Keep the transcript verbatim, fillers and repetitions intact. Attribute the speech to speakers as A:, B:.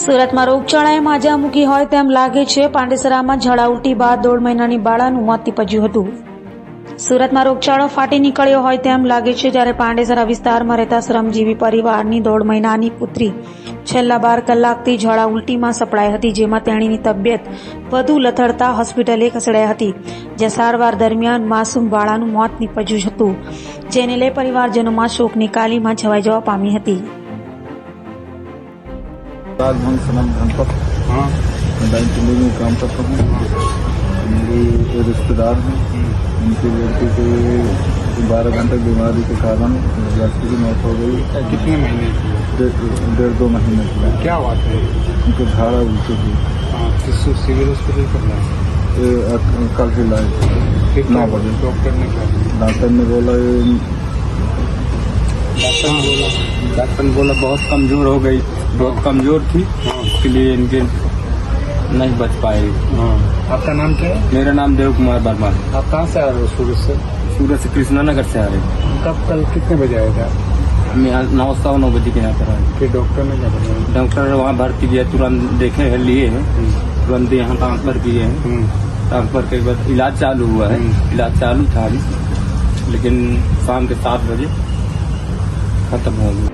A: સુરતમાં રોગચાળાએ માજા મૂકી હોય તેમ લાગે છે. પાંડેસરામાં ઝાડા ઉલટી બાદ દોઢ મહિનાની બાળાનું મોત નીપજ્યું હતું. સુરતમાં રોગચાળો ફાટી નીકળ્યો હોય તેમ લાગે છે. જ્યારે પાંડેસરા વિસ્તારમાં રહેતા શ્રમજીવી પરિવારની દોઢ મહિનાની પુત્રી છેલ્લા બાર કલાકથી ઝાડા ઉલટીમાં સપડાઈ હતી, જેમાં તેણીની તબિયત વધુ લથડતા હોસ્પિટલે ખસેડાઈ હતી, જ્યાં સારવાર દરમિયાન માસૂમ બાળાનું મોત નીપજ્યું હતું, જેને લઈ પરિવારજનોમાં શોકની કાલીમાં છવાઈ જવા પામી હતી.
B: राजभवन सनम धनपत हाँ बैंक में काम करता हूँ। मेरी रिश्तेदार हैं, उनकी लड़की के बारह घंटे बीमारी के कारण लड़की की मौत हो गई।
C: कितने महीने की?
B: डेढ़ दो महीने की।
C: क्या बात है?
B: उनको झाड़ा उल्टी थी।
C: किस सिविल हॉस्पिटल पर लाए?
B: कल ही लाए नौ बजे।
C: डॉक्टर ने क्या
B: डॉक्टर ने बोला
C: डॉक्टर ने बोला डॉक्टर ने बोला बहुत कमजोर हो गई, बहुत कमजोर थी, इसके लिए इनके नहीं बच पाए।
B: आपका नाम क्या है?
C: मेरा नाम देव कुमार वर्मा।
B: आप कहाँ से आ रहे हो? सूरत से?
C: सूरत से कृष्णा नगर से आ रहे हैं।
B: कब कल कितने बजे आए थे?
C: हम यहाँ नौ सवा नौ बजे के यहाँ पर आए।
B: फिर डॉक्टर ने क्या बताया?
C: डॉक्टर ने वहाँ भर्ती किया, तुरंत देखे हैं, लिए हैं, तुरंत यहाँ ट्रांसफर किए हैं। ट्रांसफर के बाद इलाज चालू हुआ है। इलाज चालू था अभी, लेकिन शाम के सात बजे खत्म हो गया।